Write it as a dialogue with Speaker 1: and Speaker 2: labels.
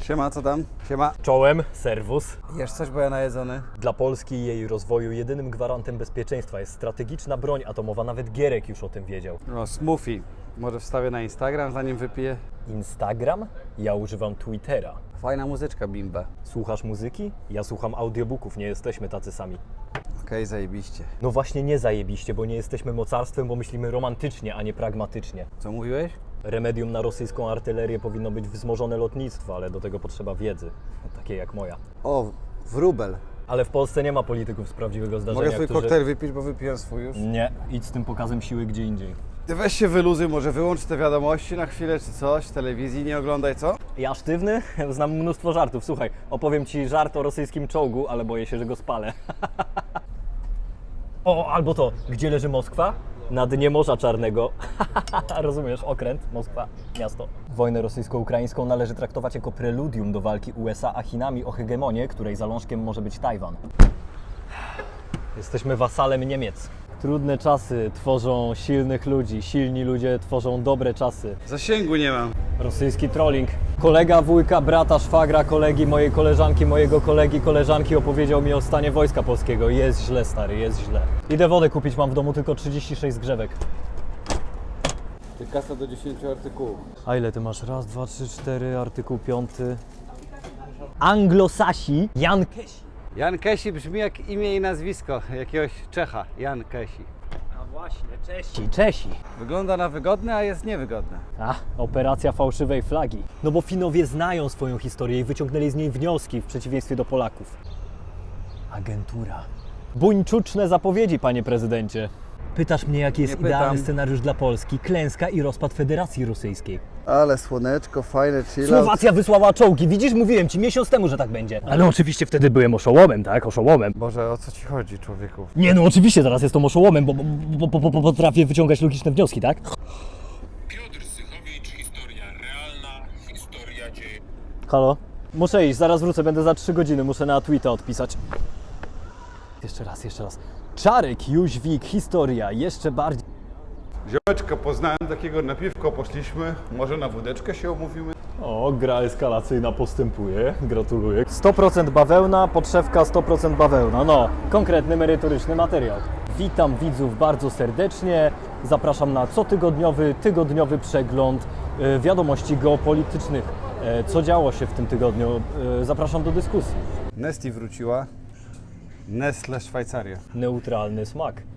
Speaker 1: Siema, co tam? Siema.
Speaker 2: Czołem, serwus.
Speaker 1: Jesz coś, bo ja najedzony?
Speaker 2: Dla Polski i jej rozwoju jedynym gwarantem bezpieczeństwa jest strategiczna broń atomowa. Nawet Gierek już o tym wiedział.
Speaker 1: No, smoothie. Może wstawię na Instagram, zanim wypiję.
Speaker 2: Instagram? Ja używam Twittera.
Speaker 1: Fajna muzyczka, bimba.
Speaker 2: Słuchasz muzyki? Ja słucham audiobooków, nie jesteśmy tacy sami.
Speaker 1: Okej, zajebiście.
Speaker 2: No właśnie nie zajebiście, bo nie jesteśmy mocarstwem, bo myślimy romantycznie, a nie pragmatycznie.
Speaker 1: Co mówiłeś?
Speaker 2: Remedium na rosyjską artylerię powinno być wzmożone lotnictwo, ale do tego potrzeba wiedzy, takiej jak moja.
Speaker 1: O, wróbel.
Speaker 2: Ale w Polsce nie ma polityków z prawdziwego zdarzenia,
Speaker 1: Mogę swój koktajl wypić, bo wypiłem swój już?
Speaker 2: Nie, idź z tym pokazem siły gdzie indziej.
Speaker 1: Ty weź się wyluzuj, może wyłącz te wiadomości na chwilę czy coś, telewizji nie oglądaj, co?
Speaker 2: Ja sztywny? Znam mnóstwo żartów. Słuchaj, opowiem Ci żart o rosyjskim czołgu, ale boję się, że go spalę. O, albo to, gdzie leży Moskwa? Na dnie Morza Czarnego. Rozumiesz, okręt, Moskwa, miasto. Wojnę rosyjsko-ukraińską należy traktować jako preludium do walki USA a Chinami o hegemonię, której zalążkiem może być Tajwan. Jesteśmy wasalem Niemiec. Trudne czasy tworzą silnych ludzi, silni ludzie tworzą dobre czasy.
Speaker 1: Zasięgu nie mam.
Speaker 2: Rosyjski trolling. Kolega, wujka, brata, szwagra, kolegi, mojej koleżanki, mojego kolegi, koleżanki opowiedział mi o stanie Wojska Polskiego. Jest źle, stary, jest źle. Idę wodę kupić, mam w domu tylko 36 zgrzewek.
Speaker 1: Ty kasa do 10 artykułów.
Speaker 2: A ile ty masz? Raz, dwa, trzy, cztery, artykuł 5. Anglosasi, Jan Kesi.
Speaker 1: Jan Kesi brzmi jak imię i nazwisko jakiegoś Czecha. Jan Kesi.
Speaker 2: A właśnie, Czesi.
Speaker 1: Wygląda na wygodne, a jest niewygodne.
Speaker 2: A, operacja fałszywej flagi. No bo Finowie znają swoją historię i wyciągnęli z niej wnioski w przeciwieństwie do Polaków. Agentura. Buńczuczne zapowiedzi, panie prezydencie. Pytasz mnie, jaki jest
Speaker 1: Nie pytam.
Speaker 2: idealny scenariusz dla Polski? Klęska i rozpad Federacji Rosyjskiej.
Speaker 1: Ale słoneczko, fajne, chill out.
Speaker 2: Słowacja wysłała czołgi, widzisz? Mówiłem ci miesiąc temu, że tak będzie. Ale oczywiście wtedy byłem oszołomem, tak? Oszołomem.
Speaker 1: Boże, o co ci chodzi, człowieku?
Speaker 2: Nie no, oczywiście teraz jestem oszołomem, bo potrafię wyciągać logiczne wnioski, tak?
Speaker 3: Piotr Zychowicz, historia realna, historia dzieje.
Speaker 2: Halo? Muszę iść, zaraz wrócę, będę za 3 godziny, muszę na Twitter odpisać. Jeszcze raz. Czarek, Jóźwik, historia, jeszcze bardziej.
Speaker 4: Ziomeczka poznałem takiego, na piwko poszliśmy, może na wódeczkę się umówimy?
Speaker 2: O, gra eskalacyjna postępuje, gratuluję. 100% bawełna, podszewka 100% bawełna, no, konkretny, merytoryczny materiał. Witam widzów bardzo serdecznie, zapraszam na tygodniowy przegląd wiadomości geopolitycznych. Co działo się w tym tygodniu? Zapraszam do dyskusji.
Speaker 1: Nesti wróciła. Nestle Szwajcaria.
Speaker 2: Neutralny smak.